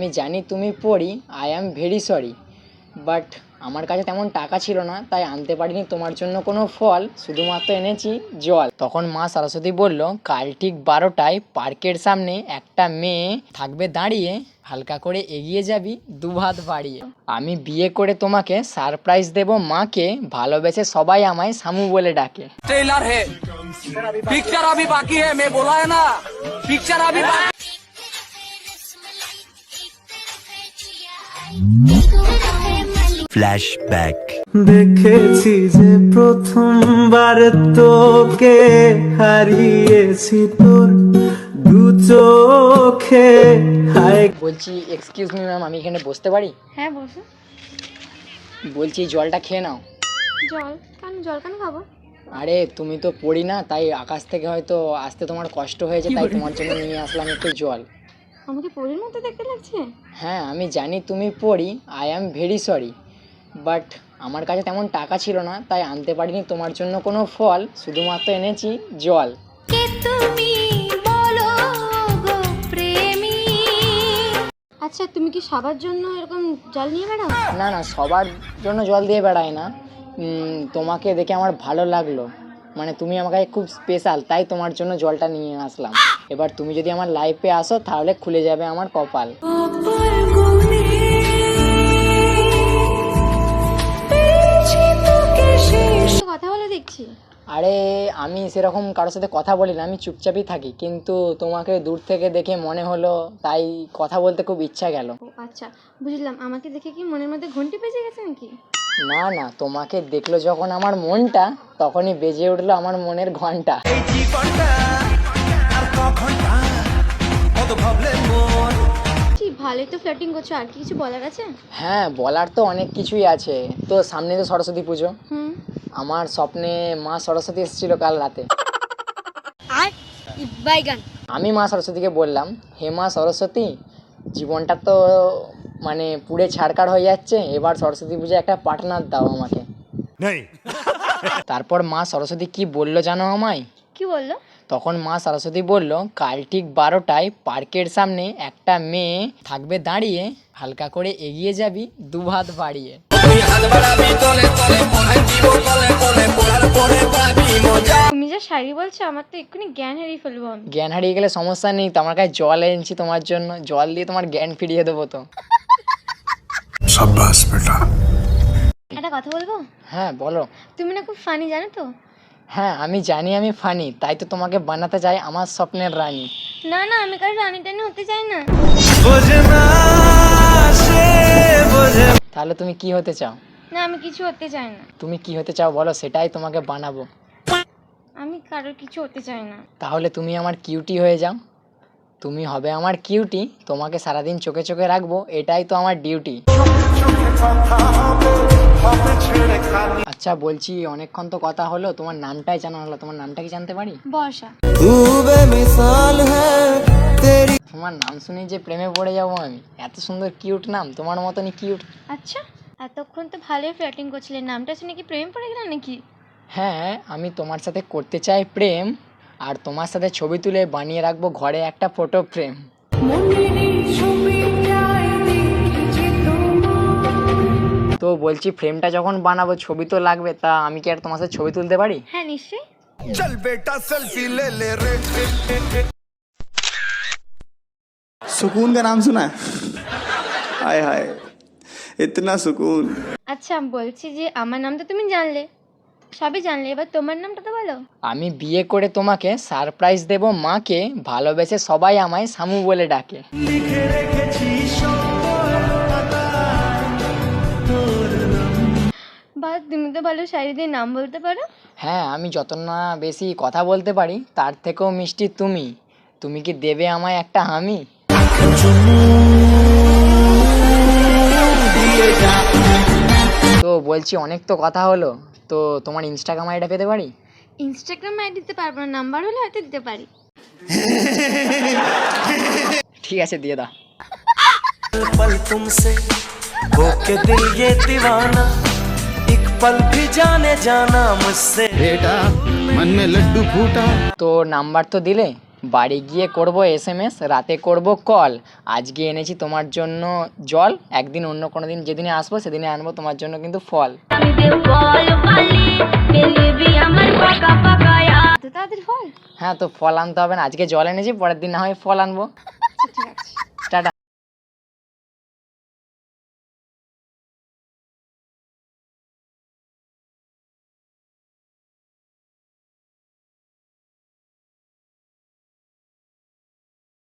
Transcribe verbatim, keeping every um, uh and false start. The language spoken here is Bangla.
আমি জানি তুমি পড়ি, I am very sorry, but আমার কাছে তেমন টাকা ছিল না, তাই আনতে পারিনি তোমার জন্য কোনো ফল, শুধুমাত্র এনেছি জল। তখন মা সরস্বতী বলল, কাল ঠিক বারোটায় পার্কের সামনে একটা মেয়ে থাকবে দাঁড়িয়ে, হালকা করে এগিয়ে যাবি দুহাত বাড়িয়ে। আমি বিয়ে করে তোমাকে সারপ্রাইজ দেব মাকে, ভালোবেসে সবাই আমায় শামু বলে ডাকে। ट्रेलर है, पिक्चर अभी बाकी है, मैं बोला है ना, पिक्चर अभी बाकी। ফ্ল্যাশব্যাক। দেখেছি যে প্রথমবার তোকে হারিয়েছি তোর দু চোখে। হায় বলছি এক্সকিউজ মি ম্যাম, আমি এখানে বসতে পারি? হ্যাঁ বসো। বলছি জলটা খেয়ে নাও। জল কেন? জল কেন খাবো? আরে তুমি তো পড়ি না, তাই আকাশ থেকে হয়তো আসতে তোমার কষ্ট হয়েছে, তাই তোমার জন্য নিয়ে আসলাম একটু জল। আমাকে পরীর মতো দেখতে লাগছে। হ্যাঁ আমি জানি তুমি পড়ি, I am very sorry, but আমার কাছে তেমন টাকা ছিল না, তাই আনতে পারিনি তোমার জন্য কোনো ফল, শুধুমাত্র এনেছি জল। আচ্ছা তুমি কি সবার জন্য এরকম জল নিয়ে বেড়াও? না না, সবার জন্য জল দিয়ে বেড়াই না, উম, তোমাকে দেখে আমার ভালো লাগলো, মানে তুমি আমার কাছে খুব স্পেশাল, তাই তোমার জন্য জলটা নিয়ে আসলাম। এবার তুমি যদি আমার লাইফে আসো তাহলে খুলে যাবে আমার কপাল। কথা বলে দেখছি। আরে আমি সেরকম কারোর সাথে কথা বলি না, আমি চুপচাপই থাকি, কিন্তু তোমাকে দূর থেকে দেখে মনে হলো, তাই কথা বলতে খুব ইচ্ছা গেল। ও আচ্ছা বুঝলাম। আমাকে দেখে কি মনের মধ্যে ঘন্টি বেজে গেছে নাকি? না না, তোমাকে দেখলো যখন আমার মনটা, তখনই বেজে উঠলো আমার মনের ঘন্টা। ভালোই তো ফ্লার্টিং করছো, আর কি কিছু বলার আছে? হ্যাঁ বলার তো অনেক কিছুই আছে, তো সামনে তো সরস্বতী পুজো। হুম। আমার স্বপ্নে মা সরস্বতী এসেছিল কাল রাতে। আমি মা সরস্বতীকে বললাম, হে মা সরস্বতী, জীবনটা তো মানে পুড়ে ছাড়কার হয়ে যাচ্ছে, এবার সরস্বতী পুজো একটা পার্টনার দাও আমাকে। তারপর মা সরস্বতী কি বললো জানো আমায়? কি বললো? তখন মা সরস্বতী বলল, কাল ঠিক বারোটায় পার্কের সামনে একটা মেয়ে থাকবে দাঁড়িয়ে, হালকা করে এগিয়ে যাবি দুহাত বাড়িয়ে। তুমি যা শাড়ি বলছো, আমার তো এক্ষুনি জ্ঞান হারিয়ে ফেলবো আমি। জ্ঞান হারিয়ে গেলে সমস্যা নেই, তো আমার কাছে জল এনেছি তোমার জন্য, জল দিয়ে তোমার জ্ঞান ফিরিয়ে দেবো তো। সাব্বাস বেটা। একটা কথা বলবো? হ্যাঁ বলো। তুমি না খুব ফানি, জানো তো? হ্যাঁ আমি জানি আমি ফানি, তাই তো তোমাকে বানাতে চাই আমার স্বপ্নের রানী। না না, আমি কারো রানি টানি হতে চাই না। তাহলে তুমি কি হতে চাও? না আমি কিছু হতে চাই না। তুমি কি হতে চাও বলো, সেটাই তোমাকে বানাবো। আমি কারোর কিছু হতে চাই না। তাহলে তুমি আমার কিউটি হয়ে যাও, তুমি হবে আমার কিউটি, তোমাকে সারাদিন চোখে চোখে রাখবো, এটাই তো আমার ডিউটি। আচ্ছা বলছি, অনেকক্ষণ তো কথা হলো, তোমার নামটাই জানা হলো, তোমার নামটা কি জানতে পারি? বর্ষা। তোমার নাম শুনে যে প্রেমে পড়ে যাবো আমি, এত সুন্দর কিউট নাম, তোমার মতনই কিউট। আচ্ছা এতক্ষণ তো ভালোই ফ্লার্টিং করছিলে, নামটা শুনে কি প্রেম পড়ে গেল নাকি? হ্যাঁ আমি তোমার সাথে করতে চাই প্রেম, আর তোমার সাথে ছবি তুলে বানিয়ে রাখবো ঘরে একটা ফটো ফ্রেম। তো বলছি ফ্রেমটা যখন বানাবো ছবি তো লাগবে, তা আমি কি আর তোমার সাথে ছবি তুলতে পারি? হ্যাঁ নিশ্চয়ই। চল বেটা সেলফি ले ले रे। सुकून का नाम सुना है? हाय हाय इतना सुकून। আচ্ছা বলছি যে আমার নাম তো তুমি জানলে, সবই জানলে, এবার তোমার নামটা তো বলো। আমি বিয়ে করে তোমাকে সারপ্রাইজ দেব মাকে, ভালোবেসে সবাই আমায় শামু বলে ডাকে। বা তুমি তো ভালো শাড়ি দিয়ে নাম বলতে পারো। হ্যাঁ আমি যত না বেশি কথা বলতে পারি, তার থেকেও মিষ্টি তুমি, তুমি কি দেবে আমায় একটা হামি? তো বলছি অনেক তো কথা হলো, তো তোমার ইনস্টাগ্রাম আইডিটা পেতে পারি? ইনস্টাগ্রাম আইডি দিতে পারবো না, নাম্বার হলে হয়তো দিতে পারি। ঠিক আছে দিয়ে দাও। पल तुमसे होके दिल ये दीवाना, एक पल भी जाने जाना मुझसे। बेटा मन में लड्डू फूटा। তো নাম্বার তো দিলে, বাড়ি গিয়ে করব এস এম এস, রাতে করব কল। আজকে এনেছি তোমার জন্য জল, একদিন অন্য কোনো দিন যেদিনে আসবো সেদিনে আনবো তোমার জন্য কিন্তু ফল। তো তাদের ফল। হ্যাঁ তো ফল আনতে হবে না, আজকে জল এনেছি, পরের দিন না হয় ফল আনবো। আচ্ছা, ঠিক আছে।